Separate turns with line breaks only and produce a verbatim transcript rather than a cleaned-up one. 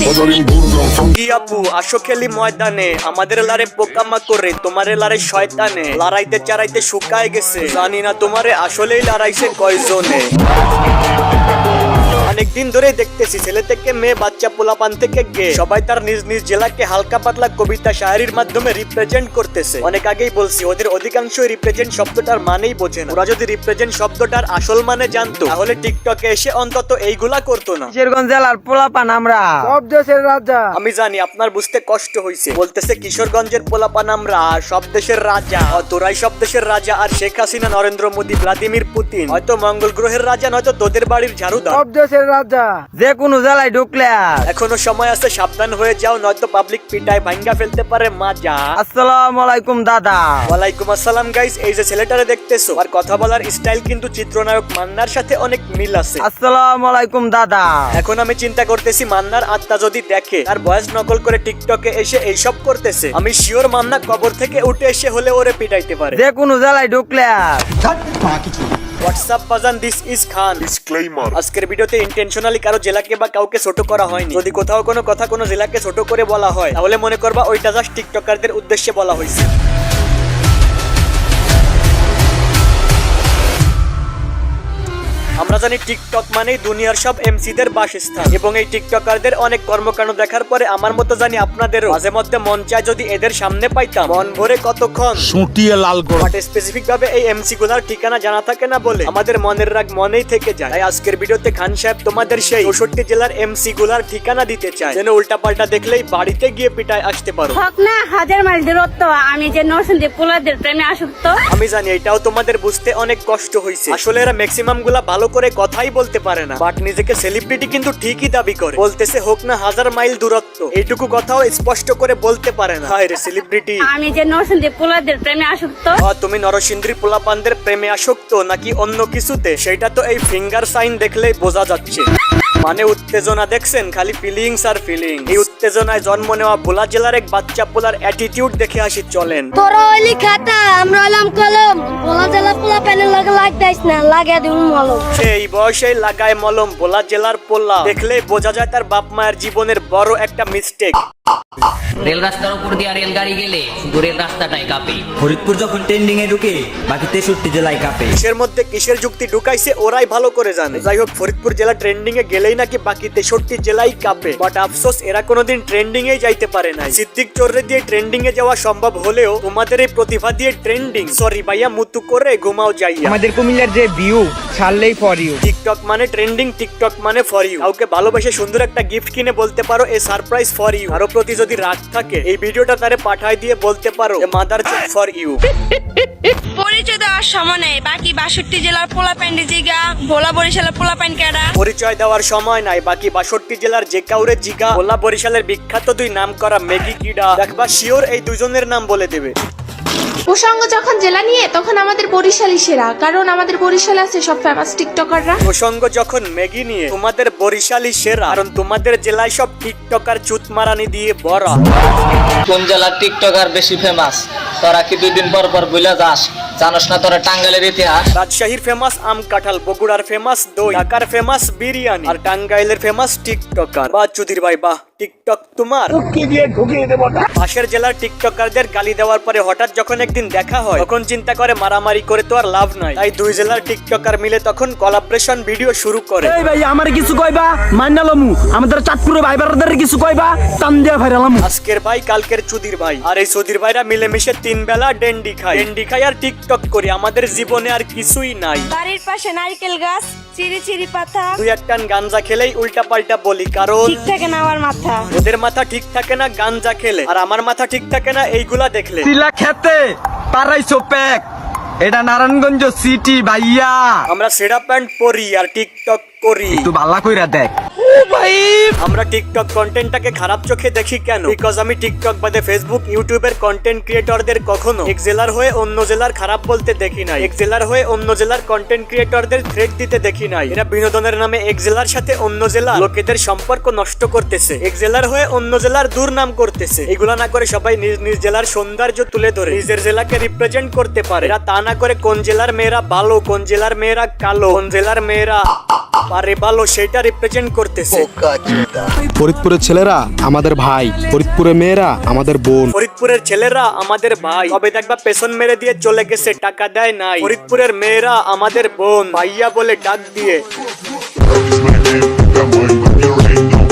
কি আপু আসো খেলি ময়দানে, আমাদের লারে পোকামা করে তোমারে লারে শয়তানে, লড়াইতে চারাইতে শুকায় গেছে, জানি না তোমারে আসলেই লড়াইছে কয়জনে। অনেকদিন ধরে দেখতেছি ছেলে থেকে মেয়ে, বাচ্চা পোলাপান থেকে গে সবাই তার নিজ নিজ জেলাকে হালকা পাতলা কবিতা শায়ারির মাধ্যমে রিপ্রেজেন্ট করতেছে। অনেক আগেই বলছি ওদের অধিকাংশ রিপ্রেজেন্ট শব্দটার মানেই বোঝে না। ওরা যদি রিপ্রেজেন্ট শব্দটার আসল মানে জানতো তাহলে টিকটকে এসে অন্তত এইগুলা করতো না।
কিশোরগঞ্জ জেলার পোলাপান আমরা, সব দেশের রাজা।
আমি জানি আপনার বুঝতে কষ্ট হয়েছে, বলতেছে কিশোরগঞ্জের পোলাপান আমরা সব দেশের রাজা। তোরাই সব দেশের রাজা, আর শেখ হাসিনা, নরেন্দ্র মোদী, ভ্লাদিমির পুতিন হয়তো মঙ্গল গ্রহের রাজা, নয়তো তোদের বাড়ির ঝাড়ুদার।
সব দেশের রাজা, যে কোনো জেলায় ঢুকলে
এখনো সময় আছে, সাবধান হয়ে যাও, নয়তো পাবলিক পিটায় ভাঙ্গা ফেলতে পারে মাজা।
আসসালামু আলাইকুম দাদা।
ওয়ালাইকুম আসসালাম গাইস। এই যে ছেলেটারে দেখতেছো, আর কথা বলার স্টাইল কিন্তু চিত্রনায়ক মান্নার সাথে অনেক মিল আছে।
আসসালামু আলাইকুম দাদা।
এখন আমি চিন্তা করতেছি মান্নার আত্মা যদি দেখে তার ভয়েস নকল করে টিকটকে এসে এইসব করতেছে, আমি শিওর মান্না কবর থেকে উঠে এসে হলে ওরে পিটাইতে পারে।
যে কোনো জেলায় ঢুকলে
হোয়াটসঅ্যাপ বাজান, দিস ইজ খান। ডিসক্লেইমার, আজকের ভিডিওতে ইন্টেনশনালি কারো জেলাকে বা কাউকে ছোট করা হয়নি। যদি কোথাও কোনো কথা কোনো জেলাকে ছোট করে বলা হয় তাহলে মনে করবা ওইটা জাস্ট টিকটকারদের উদ্দেশ্যে বলা হয়েছে। আমরা জানি টিকটক মানেই দুনিয়ার সব এমসিদের বাসস্থান, এবং এই টিকটকারদের অনেক কর্মকাণ্ড দেখার পরে আমার মতো জানি আপনাদেরও মাঝে মধ্যে মন চায় যদি এদের সামনে পাইতাম মন ভরে কতক্ষণ শুটিয়ে লাল করে। বাট স্পেসিফিক ভাবে এই এমসি গুলার ঠিকানা জানা থাকে না বলে আমাদের মনের রাগ মনেই থেকে যায়। তাই আজকের ভিডিওতে খান সাহেব তোমাদের সেই চৌষট্টি জেলার এমসি গুলার ঠিকানা দিতে চায়, যেন উল্টা পাল্টা দেখলেই বাড়িতে গিয়ে পিটায় আসতে পারো।
হক না হাজার মাইল দূরত্ব, আমি যে নরসিংদী পোলাদের প্রেমে আসক্ত।
আমি জানি এটাও তোমাদের বুঝতে অনেক কষ্ট হয়েছে। আসলে এরা ম্যাক্সিমাম গুলা ভালো করে কথাই বলতে পারে না, বাট নিজেকে সেলিব্রিটি কিন্তু ঠিকই দাবি করে। বলতেছে হোক না হাজার মাইল দূরত্ব, এইটুকু কথাও স্পষ্ট করে বলতে পারে না। হায় রে সেলিব্রিটি,
আমি যে নরসিংদী পোলাদের প্রেমে আসক্ত।
তুমি নরসিংদীর পোলাপানদের প্রেমে আসক্ত নাকি অন্য কিছুতে, সেটা তো এই ফিঙ্গার সাইন দেখলেই বোঝা যাচ্ছে। মানে উত্তেজনা দেখছেন, খালি ফিলিংস আর ফিলিং। এই উত্তেজনায় জন্ম নেওয়া ভোলা জেলার এক বাচ্চা পোলার অ্যাটিটিউড দেখে আসি চলেন।
তোরা হইলি খাতা, আমরা হইলাম কলম। ভোলা জেলা পোলা প্যানের লাগে লাগতাইস না, লাগে দিন মলম।
সেই বয়সে লাগায় মলম। ভোলা জেলার পোলা দেখলে বোঝা যায় তার বাপ মায়ের জীবনের বড় একটা মিস্টেক।
রেল রাস্তার উপর দিয়ে রেলগাড়ি গেলে শুধু রেল রাস্তাটাই কাঁপে।
ফরিদপুর যখন ট্রেন্ডিং এ ঢুকে বাকি তেষট্টি জেলায় কাঁপে।
কিসের মধ্যে কিসের যুক্তি ঢুকাইছে ওরাই ভালো করে জানে। যাই হোক, ফরিদপুর জেলা ট্রেন্ডিং এ গেলেই নাকি বাকি তেষট্টি জেলাই কাঁপে। বাট আফসোস এরা কোনোদিন ট্রেন্ডিং এ যাইতে পারে না। সিদ্দিক চোররে দিয়ে ট্রেন্ডিং এ যাওয়া সম্ভব হলেও তোমাদের এই প্রতিভা দিয়ে ট্রেন্ডিং, সরি ভাইয়া, মুতু করে ঘুমাও যাইয়া।
আমাদের কুমিল্লার যে ভিউ ছাড়লেই ফর ইউ।
টিকটক মানে ট্রেন্ডিং, টিকটক মানে ফর ইউ। কাউকে ভালোবেসে সুন্দর একটা গিফট কিনে বলতে পারো এ সারপ্রাইজ ফর ইউ। কারো প্রতি যদি রাগ থাকে এই ভিডিওটা তারে পাঠায় দিয়ে বলতে পারো এ মাদার চোখ ফর ইউ।
পরিচয় দেওয়ার সময় নেই, বাকি বাষট্টি জেলার পোলা প্যান্ডি জিগা, ভোলা বরিশালের পোলা প্যান্ড কেডা।
পরিচয় দেওয়ার সময় নাই, বাকি বাষট্টি জেলার যে কাউরে জিগা। ভোলা বরিশালের বিখ্যাত দুই নাম করা মেগি কিডা, দেখবা শিওর এই দুজনের নাম বলে দেবে।
প্রসঙ্গ যখন জেলা নিয়ে তখন আমাদের বরিশালই সেরা, কারণ আমাদের বরিশালে আছে সব ফেমাস টিকটকাররা।
প্রসঙ্গ যখন ম্যাগি নিয়ে তোমাদের বরিশালই সেরা, কারণ তোমাদের জেলায় সব টিকটকার চুতমারানি দিয়ে ভরা।
কোন জেলার টিকটকার বেশি ফেমাস তোরা কি দুই দিন পর পর ভুলে যাস? জানোস না তোরা টাঙ্গাইলের ইতিহাস?
রাজশাহীর ফেমাস আম কাঁঠাল, বগুড়ার ফেমাস দই, ঢাকার ফেমাস বিরিয়ানি, আর টাঙ্গাইলের ফেমাস টিকটকার। বাহ চুদির ভাই বাহ, টিকটক তোমার। পাশের জেলার টিকটকারদের গালি দেওয়ার পরে হঠাৎ যখন একদিন দেখা হয় তখন চিন্তা করে মারামারি করে তো আর লাভ নাই। তাই দুই জেলার টিকটকার মিলে তখন কোলাবরেশন ভিডিও শুরু করে।
এই ভাই আমার কিছু কইবা মান্নালমু, আমাদের চাঁদপুরের ভাই বারদের কিছু কইবা টান দিয়া ভাইরালাম।
আজকের ভাই কালকের চুদির ভাই, আর এই চুদির ভাইরা মিলেমিশে তিন বেলা ডেন্ডি খায়। ডেন্ডি খাই আর টিকটক করি, আমাদের জীবনে আর কিছুই নাই।
বাড়ির পাশে নারকেল গাছ, চিরি চিরি পাতা,
দুই একটান গাঞ্জা খেলেই উল্টা পাল্টা বলি, কারণ
ঠিক থাকে না আমার মাথা।
ওদের মাথা ঠিক থাকে না গাঞ্জা খেলে, আর আমার মাথা ঠিক থাকে না এইগুলা দেখলে।
তিলা খেতে পারাইছো প্যাক, এটা নারায়ণগঞ্জ সিটি ভাইয়া।
আমরা সেরা প্যান্ট পরি আর টিকটক করি,
তুই ভালো কইরা দেখ।
আমরা টিকটক কন্টেন্টটাকে খারাপ চোখে দেখি কেন? বিকজ আমি টিকটক বাদে ফেসবুক, ইউটিউবের কন্টেন্ট ক্রিয়েটরদের কখনো এক জেলার হয়ে অন্য জেলার খারাপ বলতে দেখি নাই। এক জেলার হয়ে অন্য জেলার কন্টেন্ট ক্রিয়েটরদের থ্রেট দিতে দেখি নাই। এরা বিনোদনের নামে এক জেলার সাথে অন্য জেলা লোকেদের সম্পর্ক নষ্ট করতেছে, এক জেলার হয়ে অন্য জেলার দুর্নাম করতেছে। এগুলা না করে সবাই নিজ নিজ জেলার সৌন্দর্য তুলে ধরে নিজের জেলাকে রিপ্রেজেন্ট করতে পারে। এরা তা না করে কোন জেলার মেয়েরা ভালো, কোন জেলার মেয়েরা কালো, কোন জেলার মেয়েরা আরে ভালো সেটা রিপ্রেজেন্ট করতেছে।
ফরিদপুরের ছেলেরা আমাদের ভাই, ফরিদপুরের মেয়েরা আমাদের বোন।
ফরিদপুরের ছেলেরা আমাদের ভাই, তবে দেখবা পেছন মেরে দিয়ে চলে গেছে, টাকা দেয় নাই। ফরিদপুরের মেয়েরা আমাদের বোন, ভাইয়া বলে ডাক দিয়ে।